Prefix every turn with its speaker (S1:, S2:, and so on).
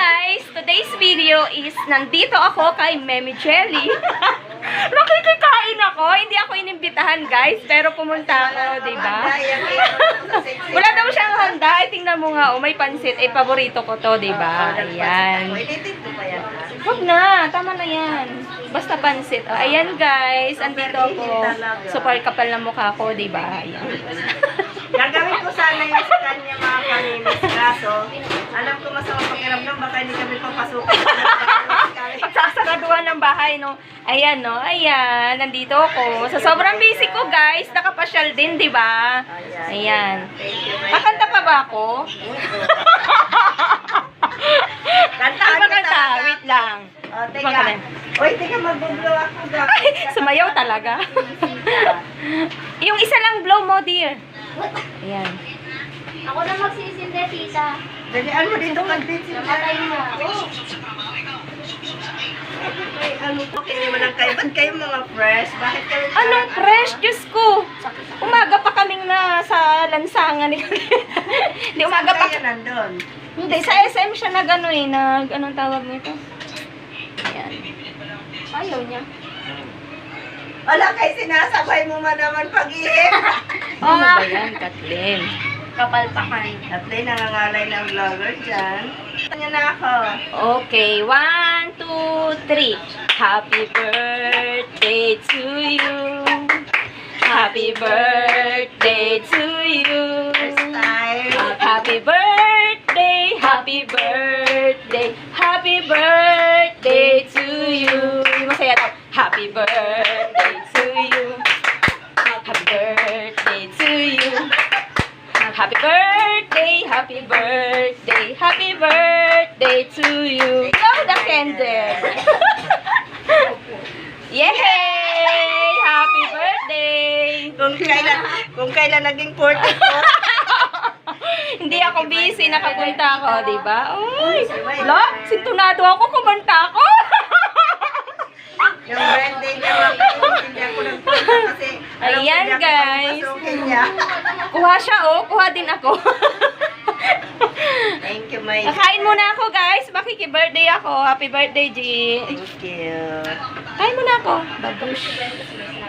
S1: guys! Today's video is nandito ako kay Meme Jelly. Nakikikain ako. Hindi ako inimbitahan guys. Pero pumunta ako, diba? Wala daw siyang handa. Ay, tingnan mo nga. Oh, may pansit. Eh, paborito ko to, diba? Ayan. Huwag na. Tama na yan. Basta pansit. Oh, ayan guys. Andito ako. Super kapal na mukha ko, diba? Ayan.
S2: Gagawin ko sana yung sa kanya mga paninis. Kaso, alam ko masama pakiramdam, baka hindi kami papasukin.
S1: Pagsasaraduhan ng bahay, no? Ayan, no? Ayan, nandito ako. Sa sobrang busy ko, guys, nakapasyal din, di ba? Ayan. Kakanta pa ba ako?
S2: Kantaan
S1: Ano kanta? Wait lang.
S2: O, teka. Uy, teka, mag-blow ako.
S1: Sumayaw talaga. Yung isa lang blow mo, dear. Ayan.
S3: Ako na magsisinde, tita.
S2: Dalian mo dito mag-date siya.
S3: Namatay mo.
S2: Ay, ano po, hindi mo lang kayo. Ba't kayo mga fresh? Bakit kayo?
S1: Anong fresh? Diyos ko. Umaga pa kaming na sa lansangan ni Hindi, umaga pa.
S2: Kayo nandun.
S1: Hindi, sa SM siya nag ano eh, anong tawag nito? Ayan. Ayaw niya.
S2: Wala kayo sinasabay mo man naman pag-ihip.
S1: Ano ba yan, Kathleen?
S3: Kapalpakan.
S2: At least nangangalay ng vlogger dyan. Kanya na ako.
S1: Okay, 1, 2, 3. Happy birthday to you. Happy birthday to you.
S2: First time.
S1: Happy birthday, happy birthday, happy birthday to you. Masaya daw. Happy birthday to you. Happy birthday to you. Happy birthday, happy birthday, happy birthday to you. Blow the candle. Yay! Happy birthday!
S2: Kung kailan naging 40 ko.
S1: Hindi ako busy, nakapunta ako, di ba? Uy! La, sintunado ako, kumanta ako.
S2: Yung birthday niya, hindi ako nagpunta kasi alam ko
S1: Ayan,
S2: hindi ako
S1: guys.
S2: papasukin niya.
S1: Kuha siya, oh. Kuha din ako.
S2: Thank you, my
S1: Kain muna ako, guys. Makiki-birthday ako. Happy birthday, G.
S2: Thank you.
S1: Kain muna ako. Babush.